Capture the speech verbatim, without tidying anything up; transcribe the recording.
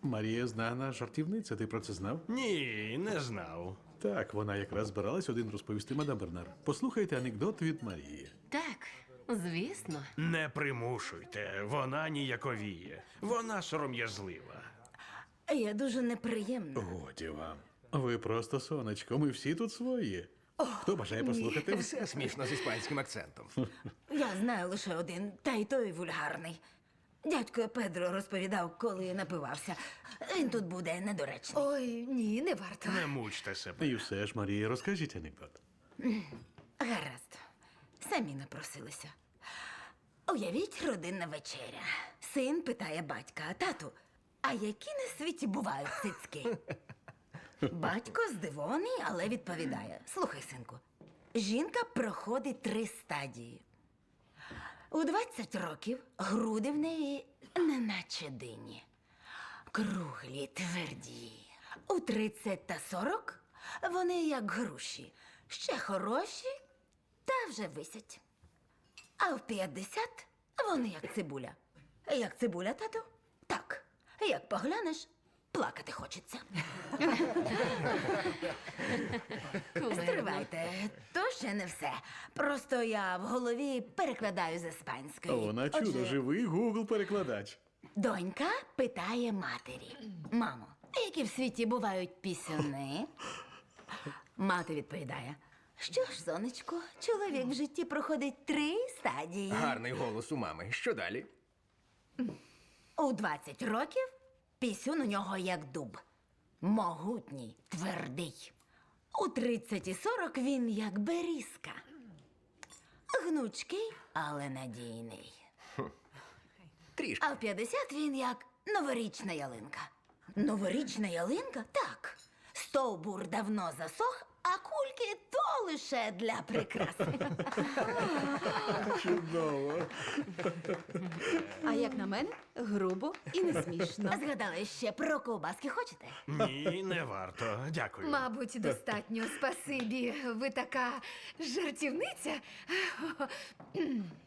Марія знана жартівниця, ти про це знав? Ні, не знав. Так, вона якраз збиралась один розповісти мадам Бернар. Послухайте анекдот від Марії. Так, звісно. Не примушуйте, вона ніяковіє. Вона сором'язлива. Я дуже неприємна. Годі вам. Ви просто сонечко, ми всі тут свої. Хто бажає послухати? Все смішно з іспанським акцентом. Я знаю лише один, та й той вульгарний. Дядько Педро розповідав, коли напивався. Він тут буде недоречний. Ой, ні, не варто. Не мучте себе. І все ж, Марія, розкажіть анекдот. Гаразд. Самі напросилися. Уявіть, родинна вечеря. Син питає батька: тату, а які на світі бувають цицьки? Батько здивований, але відповідає: слухай, синку, жінка проходить три стадії. У двадцять років груди в неї неначе дині. Круглі, тверді. У тридцять та сорок вони як груші. Ще хороші, та вже висять. А в п'ятдесят вони як цибуля. Як цибуля, тату? Так. Як поглянеш, плакати хочеться. Стривайте, то ще не все. Просто я в голові перекладаю з іспанської. Вона чудо, Отже, живий Гугл-перекладач. донька питає матері: мамо, які в світі бувають пісюни? Мати відповідає: що ж, сонечко, чоловік в житті проходить три стадії. Гарний голос у мами. Що далі? У двадцять років пісюн у нього як дуб. Могутній, твердий. У тридцять і сорок він як берізка. Гнучкий, але надійний. Трішки. А в п'ятдесят він як новорічна ялинка. Новорічна ялинка? Так. Стовбур давно засох, а кульки то лише для прикраси. Чудово. А як на мене, грубо і не смішно. Згадали ще про ковбаски хочете? Ні, не варто. Дякую. Мабуть, достатньо. Спасибі. Ви така жартівниця.